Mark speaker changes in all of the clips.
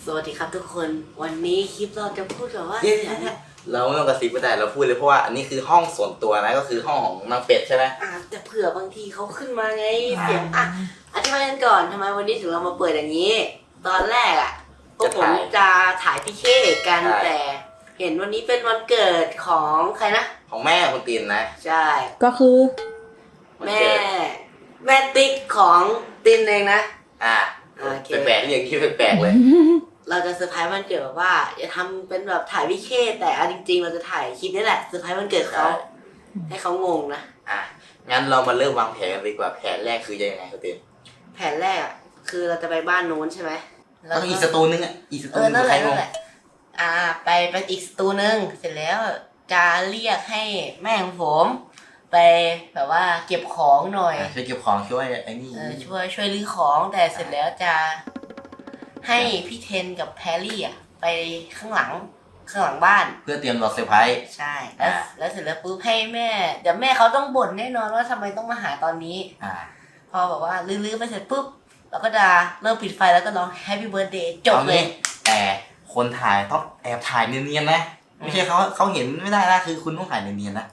Speaker 1: วัสดีครับทุกคนวันนี้คลิปเราจะพูดแบบว่า
Speaker 2: เราไม่ต้องกระซิบก็ได้เราพูดเลยเพราะว่าอันนี้คือห้องส่วนตัวนะก็คือห้องของนางเป็ดใช่ไหม
Speaker 1: แต่เผื่อบางทีเขาขึ้นมาไงเสียงอธิบายกันก่อนทำไมวันนี้ถึงเรามาเปิดอย่างนี้ตอนแรกพวกผมจะถ่ายพี่เคกันแต่เห็นวันนี้เป็นวันเกิดของใครนะ
Speaker 2: ของแม่คุณตีนนะ
Speaker 1: ใช่
Speaker 3: ก็คือ
Speaker 1: แม่ติ๊กของตินเองนะ
Speaker 2: แปลกๆอย่างที่แปลกๆเลย
Speaker 1: เราจะเซอร์ไพรส์วันเกิดแบบว่าอย่าทำเป็นแบบถ่ายวิเคแต่จริงๆเราจะถ่ายคลิปนี่แหละเซอร์ไพรส์วันเกิดเขาให้เขางงนะ
Speaker 2: งั้นเรามาเริ่มวางแผนกันดีกว่าแผนแรกคือยังไงคุณตีน
Speaker 1: แผนแรกคือเราจะไปบ้านโน้นใช่ไหม
Speaker 2: ต้องอีกสตูนึงอีกสตูนึง
Speaker 1: นั่นแหละไปอีกสตูนึงเสร็จแล้วจะเรียกให้แม่ของผมไปแบบว่าเก็บของหน่อย
Speaker 2: ช่วยเก็บของช่วยไอ้นี่
Speaker 1: ช่วยรื้อของแต่เสร็จแล้วจะให้พี่เทนกับแพรรี่ไปข้างหลังบ้าน
Speaker 2: เพื่อเตรียมรอเซอร์ไพรส์
Speaker 1: ใช่แล้วเสร็จแล้วปุ๊บให้แม่เดี๋ยวแม่เขาต้องบ่นแน่นอนว่าทำไมต้องมาหาตอนนี้พอแบบว่าลื้อไปเสร็จปุ๊บเราก็จะเริ่มปิดไฟแล้วก็ร้อง Happy Birthday จบเลย
Speaker 2: แต่คนถ่ายต้องแอบถ่ายเนียนๆนะไม่ใช่เขาเห็นไม่ได้นะคือคุณต้องถ่ายเนียนๆนะ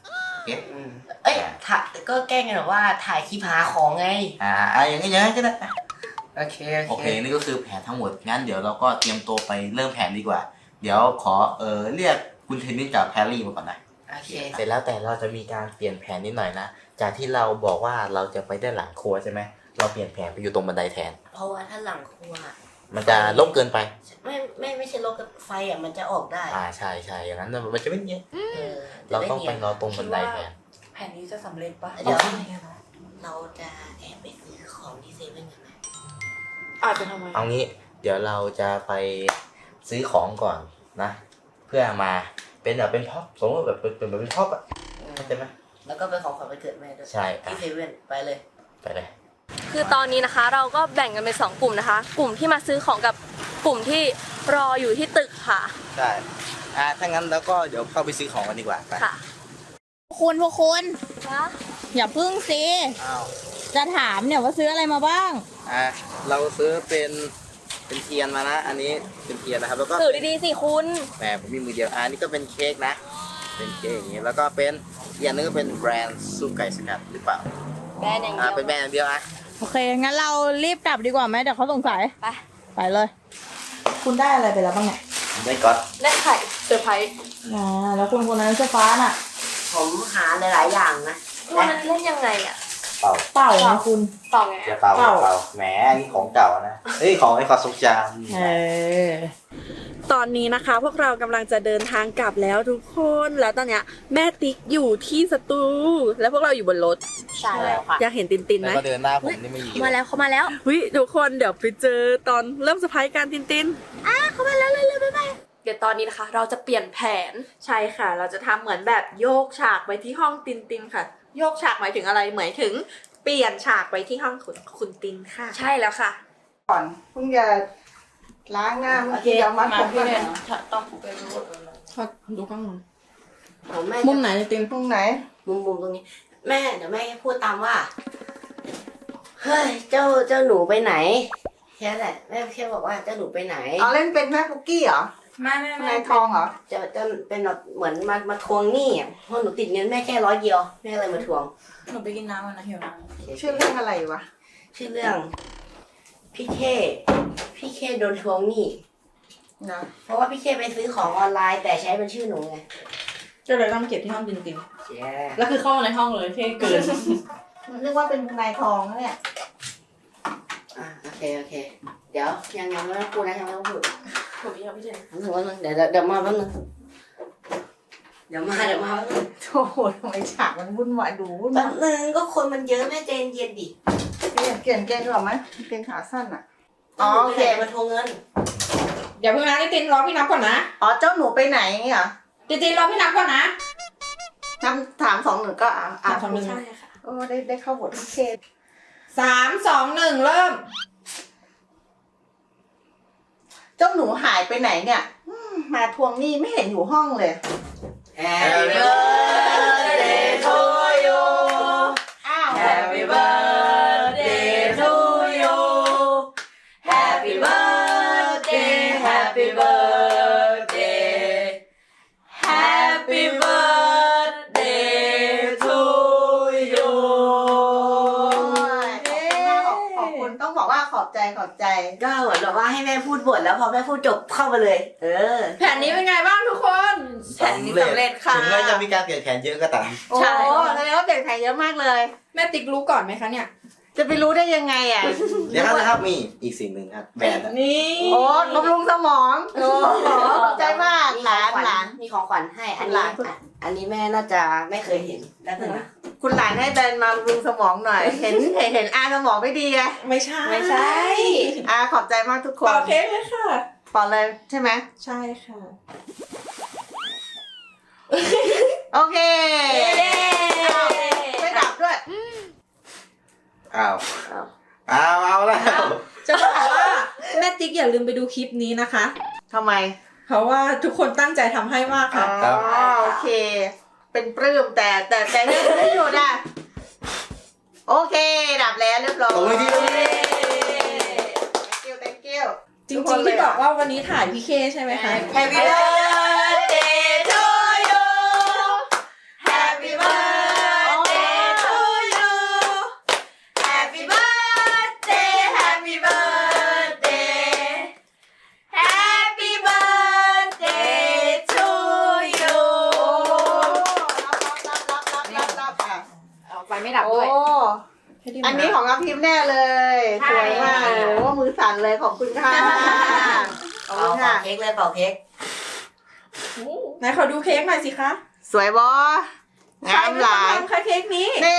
Speaker 1: ก็แกล้งกันแบบว่าถ่ายคลิปหาของไง
Speaker 2: อย่างนี้ก็ได้
Speaker 1: โอเค
Speaker 2: นี่ก็คือแผนทั้งหมดงั้นเดี๋ยวเราก็เตรียมตัวไปเริ่มแผนดีกว่าเดี๋ยวขอเรียกคุณเทนนิสกับแพรรี่มาก่อนนะ
Speaker 1: โอเค
Speaker 2: เสร็จแล้วแต่เราจะมีการเปลี่ยนแผนนิดหน่อยนะจากที่เราบอกว่าเราจะไปได้หลังครัวใช่ไหมเราเปลี่ยนแผนไปอยู่ตรงบันไดแทน
Speaker 1: เพราะว่าถ้าหลังครัว
Speaker 2: มันจะรกเกินไป
Speaker 1: ไม่ใช่รกไฟมันจะออกได้
Speaker 2: ใช่อย่างนั้นมันจะไม่เนียนเราต้องไปรอตรงบันไดแทน
Speaker 3: แผนนี้จะสำเร็จปะ
Speaker 1: เดี๋ยวเราจะแอบไปซื้อของที่เซเว่นกันไหม
Speaker 3: อาจจะทำไม
Speaker 2: เอางี้เดี๋ยวเราจะไปซื้อของก่อนนะเพื่อมาเป็นแบบเป็นพ็อปสมมติแบบเป็นพ็อปเข้าใจไหม
Speaker 1: แล้วก็เป็นของขวัญวันเกิดแม่ด้วย
Speaker 2: ใช่
Speaker 1: ที่เซเว่นไปเลย
Speaker 4: คือตอนนี้นะคะเราก็แบ่งกันเป็น2กลุ่มนะคะกลุ่มที่มาซื้อของกับกลุ่มที่รออยู่ที่ตึกค่ะ
Speaker 2: ใช่ถ้างั้นแล้วก็เดี๋ยวเข้าไปซื้อของกันดีกว่าไป
Speaker 4: ค่ะ
Speaker 3: พวกคุณอย่าพึ่งสิจะถามเนี่ยว่าซื้ออะไรมาบ้าง
Speaker 2: เราซื้อเป็นเทียนมานะอันนี้เป็นเทียนนะครับแล้วก็
Speaker 4: ถือดีๆสิคุณ
Speaker 2: แหมผมมีมือเดียวนี่ก็เป็นเค้กนะเป็นเค้กอย่างนี้แล้วก็เป็นอย่างนึงก็เป็นแบรนด์ซุปไก่สกัดหรือเปล่า
Speaker 4: แบรนด์อย่างเดียว
Speaker 2: เป็นแบรนด์อย่างเดียว
Speaker 3: โอเคงั้นเรารีบกลับดีกว่าไหมเดี๋ยวเขาสงสัยไปเลยคุณได้อะไรไปแล้วบ้างเนี่ย
Speaker 2: ได้ก๊อต
Speaker 4: ได้ไข่เซอร์ไพรส์
Speaker 3: แล้วคุณคนนั้นเสื้อฟ้าน่ะ
Speaker 1: ผมหาหลายอย่างนะ
Speaker 4: วันนั้นเล่นยังไง
Speaker 3: เป่านะคุณ
Speaker 4: เป่าไง
Speaker 2: เป่าแหมอันนี้ของเก่านะของไอ้ความทรงจ
Speaker 4: ำตอนนี้นะคะพวกเรากำลังจะเดินทางกลับแล้วทุกคนแล้วตอนเนี้ยแม่ติ๊กอยู่ที่สตูแล้วพวกเราอยู่บนรถ
Speaker 1: ใช่แล้วค่ะ
Speaker 4: อยากเห็นตินไหม
Speaker 2: แล้วก็เดินหน้าผมนี่ไม่อยู่
Speaker 4: มาแล้วเขามาแล้วทุกคนเดี๋ยวไปเจอตอนเริ่มเซอร์ไพรส์การติน
Speaker 1: เขามาแล้วเลยบ๊ายบาย
Speaker 4: เดี๋ยวตอนนี้นะคะเราจะเปลี่ยนแผน
Speaker 3: ใช่ค่ะเราจะทำเหมือนแบบโยกฉากไปที่ห้องตินค่ะโยกฉากหมายถึงอะไรหมายถึงเปลี่ยนฉากไปที่ห้องคุณตินค่ะ
Speaker 4: ใช่แล้วค่ะ
Speaker 5: ก่อนเพิ่งจะล้างหน้าเมื่อกี้เอามา
Speaker 3: พี่เนต้องไปดูข้างบนมุมไหนติน
Speaker 5: มุมไหน
Speaker 1: มุมตรงนี้แม่เดี๋ยวแม่พูดตามว่าเฮ้ยเจ้าหนูไปไหนแค่แหละแม่แค่บอกว่าเจ้าหนูไปไหน
Speaker 5: เล่นเป็นแม่คุกกี้เหรอ
Speaker 3: ไม่
Speaker 5: นายทองเหรอ
Speaker 1: จะเป็นแบบเหมือนมาทวงหนี้เพราะหนูติดเงินแม่แค่100 เดียวแม่เลยมาทวง
Speaker 3: หนูไปกินน้ำนะหิวน้
Speaker 5: ำชื่อเรื่องอะไรวะ
Speaker 1: ชื่อเรื่องพี่เคโดนทวงหนี้นะเพราะว่าพี่เคไปซื้อของออนไลน์แต่ใช้เป็นชื่อหนูไง
Speaker 3: ก็เลยต้องเก็บที่ห้องตินแล้วคือเข้ามาในห้องเลยเท่เกิน
Speaker 5: มันเรียกว่าเป็นนายทองนะเนี่ย
Speaker 1: โอเคเดี๋ยวยังไม่ต้องพูดนะยังไม่ต้องพูด
Speaker 3: ผมยังไม่เสร็จ
Speaker 1: เดี๋ยวมาแป๊บนึงเดี๋ยวมา
Speaker 5: โอ้โหทำไมฉากมันวุ่นวายดูวุ่น
Speaker 1: แป๊บนึงก็คนมันเยอะแม่ใจเย็นดิ
Speaker 5: เปลี่ยนเกงหรอไหมเกงขาสั้น
Speaker 1: โอเคมาทวงเงิน
Speaker 3: อย่าเพิ่งนะตินรอพี่นับก่อนนะ
Speaker 5: เจ้าหนูไปไหนเหรอ
Speaker 3: ตินรอพี่นับก่อนนะ
Speaker 5: ถาม2 1ก็
Speaker 3: ใช่ค่ะ
Speaker 5: โอ้ได้เข้าบทเทศ
Speaker 3: 3 2 1เริ่ม
Speaker 5: เจ้าหนูหายไปไหนเนี่ยมาทวงหนี้ไม่เห็นอยู่ห้องเลย
Speaker 1: Happy birthday to you Happy birthday to you Happy birthday Happy ก็เหมือนแบบว่าให้แม่พูดบทแล้วพอแม่พูดจบเข้ามาเลย
Speaker 3: แผนนี้เป็นไงบ้างทุกคน
Speaker 4: แผนนี้สำเร็จค่ะ
Speaker 2: ถึงแม้จะมีการเปลี่ยนแผนเยอะก็ตาม
Speaker 5: โอ้
Speaker 3: ใช่
Speaker 5: แสดงว่าเปลี่ยนแผนเยอะมากเลย
Speaker 3: แม่ติ๊กรู้ก่อนไหมคะเนี่ย
Speaker 5: จะไปรู้ได้ยังไงอ่ะ
Speaker 2: เดี๋ยวนะครับมีอีกสิ่งหนึ่งครับแบรนด์อะ
Speaker 3: นี่
Speaker 5: โอ้บำรุงสมองโอ้ขอบใจมาก
Speaker 1: มี
Speaker 5: ห
Speaker 1: ของ
Speaker 5: ลาน
Speaker 1: ขวัญ
Speaker 5: หลาน
Speaker 1: มีของขวัญให้อัน
Speaker 5: ห
Speaker 1: นี้
Speaker 5: ลาน
Speaker 1: อันนี้แม่น่าจะไม่เคยเห็นแล้วนะ
Speaker 5: คุณหลานให้แบรนด์มาบำรุงสมองหน่อย เห็นอาสมองไม่ดีไง
Speaker 3: ไม่ใช่
Speaker 1: ไม่ใช่
Speaker 5: อาขอบใจมากทุกคน
Speaker 3: เป่าเค้กเลยค่ะ
Speaker 5: ปอเลยใช่ไหม
Speaker 3: ใช่ค่ะ
Speaker 5: โอเคไม่ดับด้วย
Speaker 2: อ้าวเอาแล้ว
Speaker 3: จะบอกว่าแม่ติ๊กอย่าลืมไปดูคลิปนี้นะคะ
Speaker 5: ทำไม
Speaker 3: เพราะว่าทุกคนตั้งใจทำให้มาก
Speaker 5: อ๋
Speaker 3: ค่ะ
Speaker 5: อโอเค เป็นปลื้มแต่เรื่องไม่หยุดอ่ะโอเค ดับแล้วเรียบร้อย
Speaker 2: ตรงนี้ที่ตรงนี้
Speaker 5: thank you
Speaker 3: จริงๆที่บอกว่าวันนี้ถ่ายพี่เคใช่ไหมคะ
Speaker 1: Happy birthday to you Happy birthday to you Happy birthday Happy birthday Happy birthday to you
Speaker 5: รับอ่ะ
Speaker 3: เอาไปไม่ดับด้วย
Speaker 5: โอ้อันนี้ของอาพิมพ์แน่เลย
Speaker 1: ใช่
Speaker 5: สวยมากโอ้มือสั่นเลยขอบคุณค่ะขอบ
Speaker 1: เป่า
Speaker 5: คุณค่ะ
Speaker 1: เค้กเลยเป่าเค้ก
Speaker 3: ไหนขอดูเค้กหน่อยสิคะ
Speaker 5: สวยบองามหลาย
Speaker 3: ใครเป็นคนทำคะเค้กนี้
Speaker 5: นี่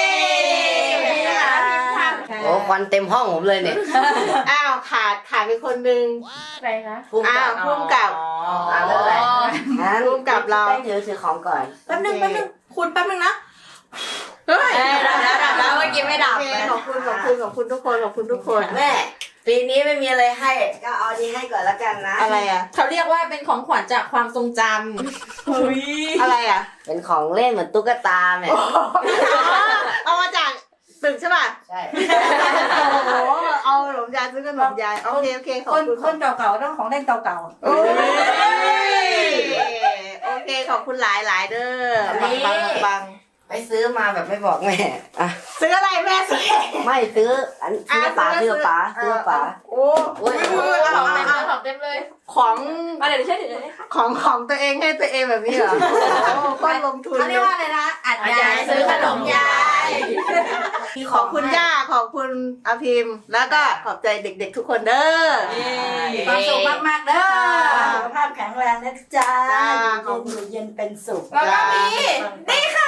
Speaker 1: โอ้ควันเต็มห้องผมเลยเนี่ย
Speaker 5: อ้าวขาดไปคนนึง
Speaker 3: ใครคะ
Speaker 5: อ้าวพุ่มกับ
Speaker 1: ไม่เป็นไรงั้น
Speaker 5: ร่วมกับเรา
Speaker 1: แป้งถือของก่อน
Speaker 3: แป๊บนึงคุณแป๊บนึงนะเฮ้ย
Speaker 1: ดับแล้วเมื่อกี้ไม่ดับ
Speaker 5: โอเค
Speaker 1: เลย
Speaker 5: ขอบคุณทุกคน
Speaker 1: แม่ปีนี้ไม่มีอะไรให้ก็เอาดีให้ก่อนละกันนะ
Speaker 5: อะไรอ่ะ
Speaker 3: เขาเรียกว่าเป็นของขวัญจากความทรงจำเฮ้ย
Speaker 5: อะไรอ่ะ
Speaker 1: เป็นของเล่นเหมือนตุ๊กตาเนี่ย
Speaker 5: เอามาจากตึกใช่ป่ะ
Speaker 1: ใช่
Speaker 5: โอ้โหเอาขนมยายซื้อขนมยายโอเคขอบคุณ
Speaker 6: คนเก่าๆต้องของเล่นเก่า
Speaker 5: โอ้ยโอเคขอบคุณหลายเด้อปัง
Speaker 1: ไปซื้อมาแบบไม่บอกแม่อ่ะ
Speaker 5: ซื้ออะไรแม่ซื้อ
Speaker 1: ไม่ซื้ออันซื้อป๋าซื้อป๋า
Speaker 5: โอ้
Speaker 1: โอ้ย
Speaker 3: ของเต็มเลย
Speaker 5: ของ
Speaker 3: มาเดี๋ยวดิฉันถือเลย
Speaker 5: ของตัวเองให้ตัวเองแบบนี้เหรอโอ้ก็ลงทุน
Speaker 6: เขาเรียกว่าอะไรนะอัดยายซื้อขนมยาย
Speaker 5: ขอบคุณย่าขอบคุณอาพิมพ์ แล้วก็ขอบใจเด็กๆทุกคนเด้อ
Speaker 6: มีความสุขมากๆเด้อสุขภาพแข็งแรงนะจ๊ะ
Speaker 5: จ้า
Speaker 6: อยู่เย็นเป็นสุข
Speaker 3: แล้วก็มีนี่ค่ะ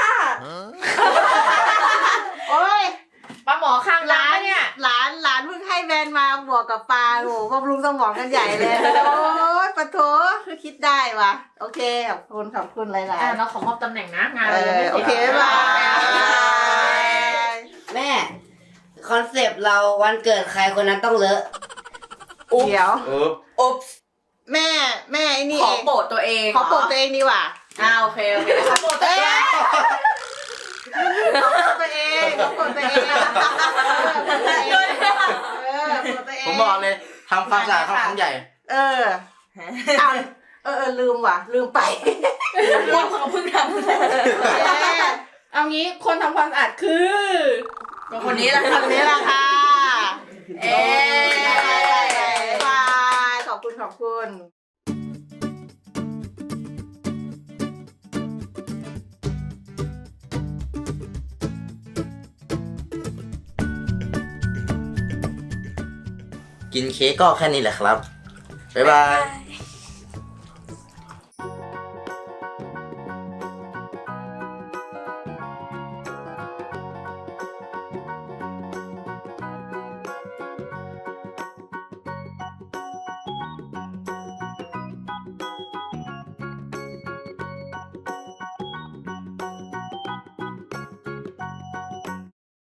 Speaker 5: โอ้ย
Speaker 3: ปลาหมอคางร้านเนี่ย
Speaker 5: หลานเพิ่งให้แบรนด์มาบวกกับปลาโอ้โหบำรุงสมองกันใหญ่เลยโอ้ยปะโถคือคิดได้ว่ะโอเคขอบคุณหลาย
Speaker 3: เราขอมอบตำแหน่งนะงาน
Speaker 5: ๆ
Speaker 3: เรายังไม่
Speaker 5: โอเค
Speaker 3: เสร็จ
Speaker 5: บ๊ายบาย
Speaker 1: แม่คอนเซปต์เราวันเกิดใครคนนั้นต้องเลอะ
Speaker 5: เดี๋ยว
Speaker 1: อุ๊บ
Speaker 5: แม่ไอ้นี่
Speaker 3: ขอ
Speaker 5: เอง
Speaker 3: โปรดตัวเอง
Speaker 5: ขอโปรดตัวเองดีกว่า
Speaker 3: โอเคขอโปรดตัว
Speaker 5: เอ้
Speaker 3: เอย ง
Speaker 5: ขอโปรดตัวเองขอโปรดตัวเอง
Speaker 2: ผมบอกเลยทำความสะอาดเขาของใหญ่
Speaker 5: ลืมว่ะลืมไป
Speaker 3: เขาเพิ่งทำเอางี้คนทำความสะอาดคือคนนี้แหละค่ะ
Speaker 5: คำนี้แหละค่ะ
Speaker 3: เอ๊ะ
Speaker 5: บายขอบคุณ
Speaker 2: กินเค้กก็แค่นี้แหละครับ บ๊ายบาย